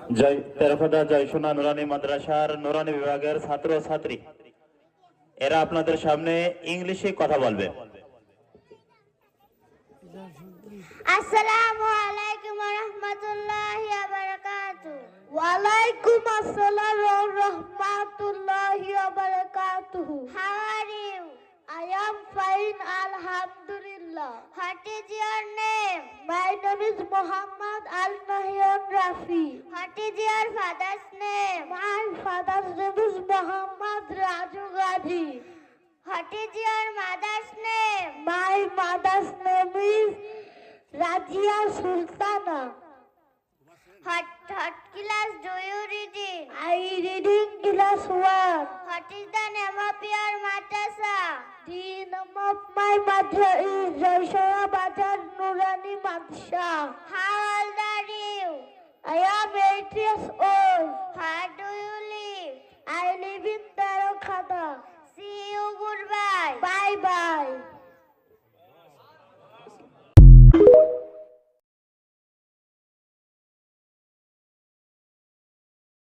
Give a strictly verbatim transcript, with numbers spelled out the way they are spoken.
জয় তেরফাদা জয়সোনা নুরানি মাদ্রাসার নুরানি বিভাগের ছাত্র ছাত্রী এরা আপনাদের সামনে ইংলিশে কথা বলবে। আসসালামু আলাইকুম ওয়া রাহমাতুল্লাহি ওয়া বারাকাতুহু। ওয়া আলাইকুম আসসালাম ওয়া রাহমাতুল্লাহি ওয়া বারাকাতুহু। How are you? I am fine, alhamdulillah. What is your name? My name is Muhammad Al Nahyan Rafi. What is your father's name? My father's name is Muhammad Raju Ghazi. What is your mother's name? My mother's name is Rajia Sultana. What, what class do you read in? I read in class one. What is the name of your madrasa? The name of my madrasa is Jaishara Bazar Nurani Madrasa. How old are you? I am eight years old. Where do you live? I live in